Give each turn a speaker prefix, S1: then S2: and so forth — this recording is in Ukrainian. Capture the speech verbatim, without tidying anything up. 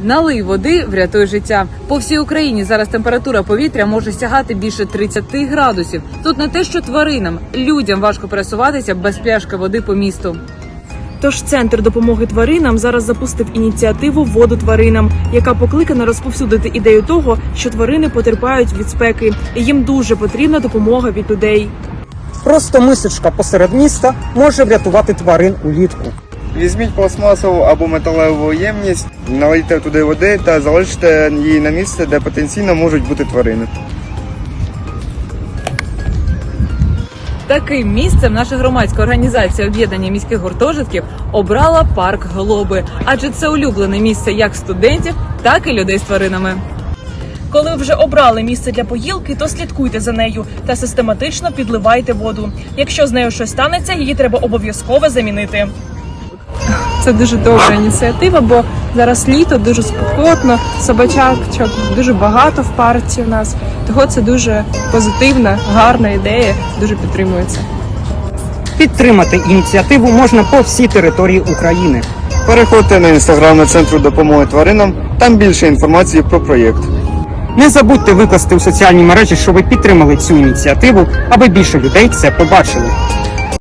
S1: Налий води, врятуй життя. По всій Україні зараз температура повітря може сягати більше тридцяти градусів. Тут не те, що тваринам, людям важко пересуватися без пляшки води по місту.
S2: Тож Центр допомоги тваринам зараз запустив ініціативу «Воду тваринам», яка покликана розповсюдити ідею того, що тварини потерпають від спеки, і їм дуже потрібна допомога від людей.
S3: Просто мисочка посеред міста може врятувати тварин улітку.
S4: Візьміть пластмасову або металеву ємність, налийте туди води та залиште її на місце, де потенційно можуть бути тварини.
S1: Таким місцем наша громадська організація об'єднання міських гуртожитків обрала парк Глоби, адже це улюблене місце як студентів, так і людей з тваринами.
S2: Коли ви вже обрали місце для поїлки, то слідкуйте за нею та систематично підливайте воду. Якщо з нею щось станеться, її треба обов'язково замінити.
S5: Це дуже добра ініціатива, бо зараз літо, дуже спекотно, собачачок дуже багато в парці у нас. Того це дуже позитивна, гарна ідея, дуже підтримується.
S3: Підтримати ініціативу можна по всій території України.
S4: Переходьте на інстаграм Центру допомоги тваринам, там більше інформації про проєкт.
S3: Не забудьте викласти у соціальні мережі, що ви підтримали цю ініціативу, аби більше людей це побачили.